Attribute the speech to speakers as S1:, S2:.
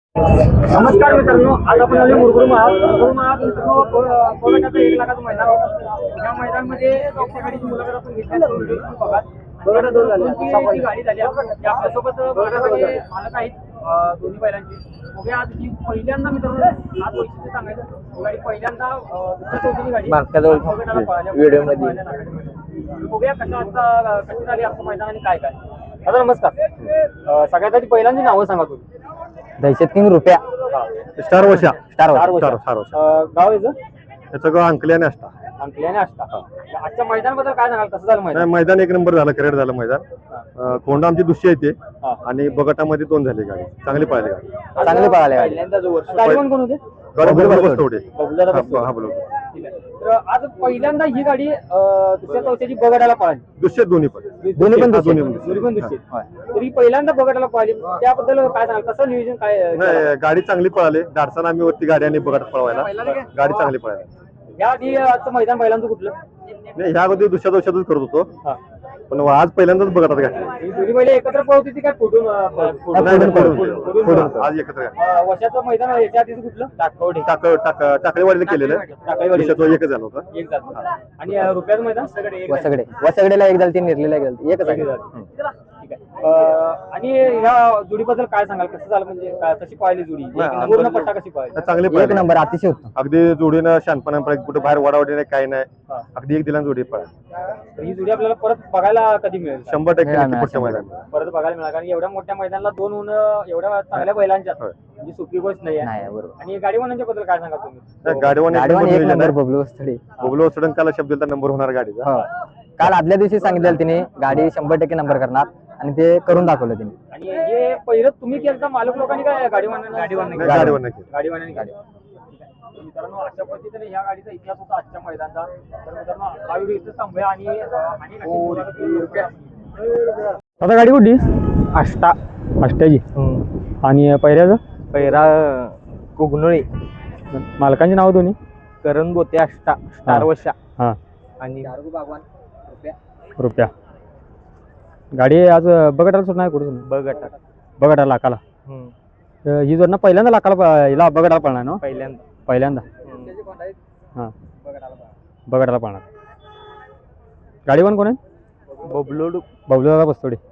S1: नमस्कार मित्रांनो, आज आपण आलो मुरगुड महाग मित्रांनो कोलकाता 1 लाखाचं मैदान होतं. या मैदानामध्ये टॉपच्या गाडीची मुलाखत आपण घेतली. बघा बघा दोन गाडी झाली. आपल्यासोबत बघण्यासाठी मालक आहेत दोन्ही बैलांची. बघूया आज ही पहिल्यांदा मित्रांनो, आज वैशिष्ट्य सांगायचं, गाडी पहिल्यांदा दुसऱ्या चौथीची गाडी व्हिडिओ मध्ये बघूया कशी झाली आपलं मैदान आणि काय काय. दादा नमस्कार. सगळ्यात आधी पहिल्यांदी नावं सांगा तुम्ही.
S2: दहशत किंग रुपया
S3: स्टार वशा
S2: स्टार
S1: गाव याचं
S3: याचं गाव अंकल्याने असता.
S1: अंकली आणि आष्टा. आजच्या मैदानाबद्दल काय सांगाल, कसं झालं मैदान?
S3: मैदान एक नंबर झालं, क्रिएट झालं मैदान. कोंडा आमची दुसरी येते आणि बगटामध्ये 2 झाली गाडी, चांगली पळाली गाडी.
S2: चांगली पळाली गाडी.
S1: पहिल्यांदा जो वर्ष गाडी कोण होते? तर आज पहिल्यांदा ही गाडी दुसऱ्या चौथ्याची बगडाला पळाली.
S3: दुसरे दोन्ही पण
S1: दुसरी. तरी पहिल्यांदा बगडाला पळाली, त्याबद्दल काय सांगाल, कसं नियोजन काय?
S3: नाही, गाडी चांगली पळाली. डाडसानं आम्ही वरती गाडी आणि बगट पळवायला गाडी चांगली पळाली.
S1: या आधी आजचं मैदान पहिल्यांदा कुठलं?
S3: नाही, ह्या अगोदर दुसऱ्या दिवसातच करत होतो, पण आज पहिल्यांदाच बगटात घातली.
S1: ही दोन्ही बैल एकत्र पळवती ती काय फोडून
S3: आज एकत्र
S1: वर्षाचं मैदान याच्या आधीच कुठलं?
S3: टाकळेवाडीला केलेलं. दुसऱ्याचं एकच झालं होतं.
S1: एक झालं. आणि रुपयाचं मैदान
S2: वसगडेला एक झाली, 3 निर्लीला एक झाली, एकच आहे.
S1: ठीक आहे. आणि ह्या जोडीबद्दल काय सांगाल, कसं झालं, म्हणजे कशी पाहिली जोडी, पूर्ण पट्टा कशी पाहिली?
S3: चांगली
S2: एक
S3: पळाली.
S2: नंबर अतिशय उत्तम.
S3: अगदी जोडीनं शानपणा पळाली, कुठे बाहेर वडावडी नाही, काय नाही. अगदी एक दिला जोडी पळाली.
S1: तर ही जोडी आपल्याला परत बघायला कधी मिळेल?
S3: 100% नक्की पुढच्या मैदानात
S1: परत बघायला मिळालं, कारण एवढ्या मोठ्या मैदानाला 2 होणं एवढ्या चांगल्या बैलांच्या म्हणजे सोपी गोष्ट नाही आहे.
S2: बरोबर.
S1: आणि गाडीवानांच्या बद्दल काय सांगा तुम्ही?
S3: गाडीवान
S2: एक नंबर बबलू स्थळी.
S3: बोगलो सडन काला शब्द दिला, नंबर होणार गाडीचा.
S2: काल आदल्या दिवशी सांगितलेलं तिने गाडी 100% नंबर करणार आणि ते करून दाखवलं तिने.
S1: आणि हे पहिलं तुम्ही केलं, मालक लोकांनी काय गाडीवानांनी गाडी. मित्रांनो, अशा पद्धतीने ह्या गाडीचा इतिहास होता आजच्या मैदानाचा. तर मित्रांनो, हा व्हिडिओ इथं थांबूया आणि आता गाडी कुठली? अष्टाची. आणि पहिल्याचं
S2: पैरा कुगनोळी.
S1: मालकांची नाव दोन्ही?
S2: करण बोते अष्टा, स्टार वशा
S1: हा
S2: आणि
S1: रुपया. गाडी आज बगटाला सुद्धा नाही, कुठं बगटा लाखाला. ही जोडणं पहिल्यांदा लाखाला हिला बगटाला पळणार ना? पहिल्यांदा हां बगटाला पळणार. गाडीवान कोण आहे?
S2: बबलू
S1: दादा बस्तोडे.